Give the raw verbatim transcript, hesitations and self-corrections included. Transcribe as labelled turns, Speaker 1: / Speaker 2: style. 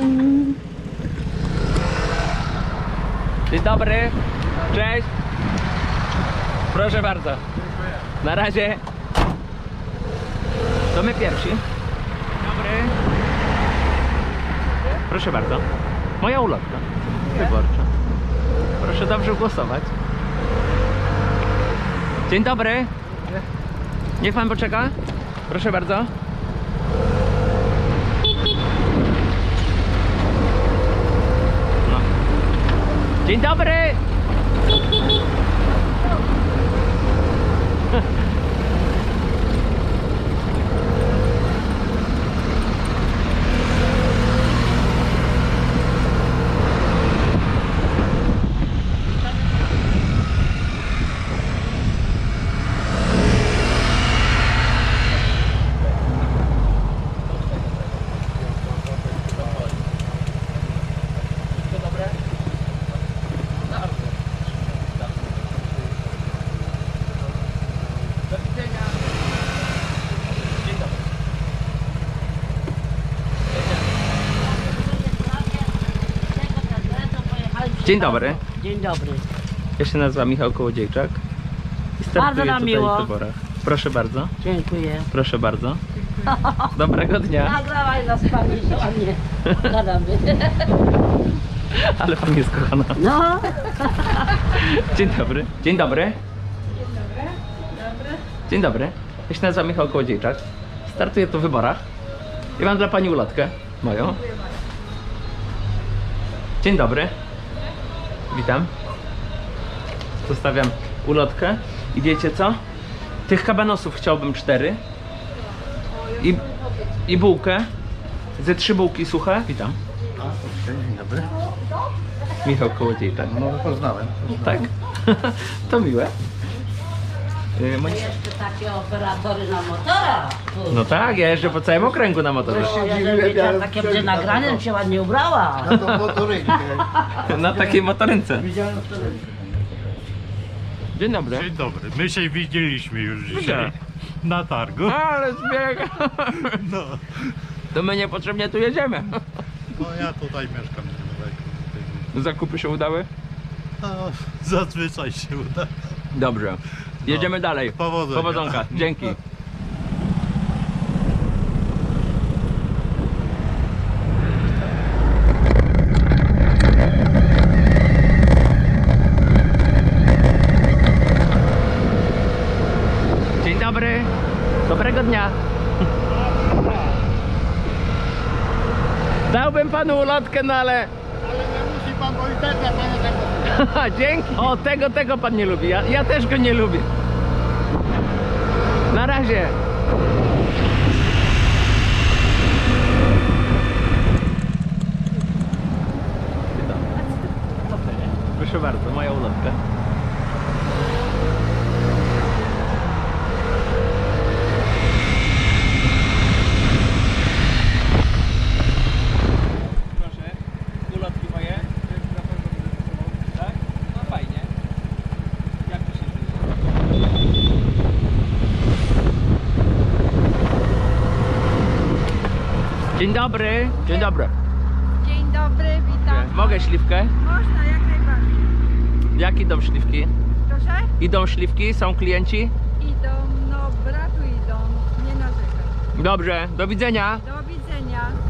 Speaker 1: Dzień dobry. Cześć. Proszę bardzo. Na razie. To my pierwsi. Dobry. Proszę bardzo. Moja ulotka wyborcza. Proszę dobrze głosować. Dzień dobry. Niech pan poczeka. Proszę bardzo. No. Dzień dobry. Dzień dobry.
Speaker 2: Dzień dobry.
Speaker 1: Ja się nazywam Michał Kołodziejczak i startuję
Speaker 2: nam
Speaker 1: tutaj
Speaker 2: miło.
Speaker 1: w wyborach. Proszę bardzo.
Speaker 2: Dziękuję.
Speaker 1: Proszę bardzo. Dobrego dnia.
Speaker 2: Nagrałaj nas pani, a nie gadamy.
Speaker 1: Ale pan jest kochana.
Speaker 2: No.
Speaker 1: Dzień dobry. Dzień dobry. Dzień dobry. Ja się nazywam Michał Kołodziejczak. Startuję tu w wyborach. I mam dla pani ulotkę moją. Dzień dobry. Witam. Zostawiam ulotkę. I wiecie co? Tych kabanosów chciałbym cztery. I, i bułkę. Ze trzy bułki suche. Witam.
Speaker 3: A, okej, dzień dobry.
Speaker 1: Michał Kołodziejczak.
Speaker 3: No, poznałem.
Speaker 1: Tak? To miłe. Yy, moi...
Speaker 2: Jeszcze takie operatory na motorach.
Speaker 1: No tak, ja jeżdżę po całym okręgu na motorze.
Speaker 2: O, ja bym wiedziała, takie będzie nagrane, bym się ładnie ubrała.
Speaker 3: Na tą motorynkę.
Speaker 1: Na takiej motorynce.
Speaker 3: Widziałem w telewizji.
Speaker 1: Dzień dobry.
Speaker 4: Dzień dobry, my się widzieliśmy już
Speaker 1: Gdzie?
Speaker 4: dzisiaj na targu.
Speaker 1: Ale zbieg.
Speaker 4: No,
Speaker 1: To my niepotrzebnie tu jedziemy.
Speaker 4: no ja tutaj mieszkam niedaleko.
Speaker 1: Zakupy się udały?
Speaker 4: No, zazwyczaj się uda.
Speaker 1: Dobrze. Jedziemy dalej.
Speaker 4: Powodzenia.
Speaker 1: Powodzonka. Dzięki. Dzień dobry. Dobrego dnia. Dałbym panu ulotkę, no ale...
Speaker 3: Ale nie musi pan, bo i tak ja pana tego.
Speaker 1: Dzięki. O, tego, tego pan nie lubi. Ja, ja też go nie lubię. Na razie. Proszę bardzo, moja ulotka. Proszę, ulotki moje. Tak? No fajnie. Jak to się żyje? Dzień dobry. Dzień dobry.
Speaker 5: Dzień dobry, witam.
Speaker 1: Mogę śliwkę?
Speaker 5: Można, jak najbardziej.
Speaker 1: Jak idą śliwki?
Speaker 5: Proszę?
Speaker 1: Idą śliwki? Są klienci?
Speaker 5: Idą, no bratu idą, nie narzekaj.
Speaker 1: Dobrze, do widzenia.
Speaker 5: Do widzenia.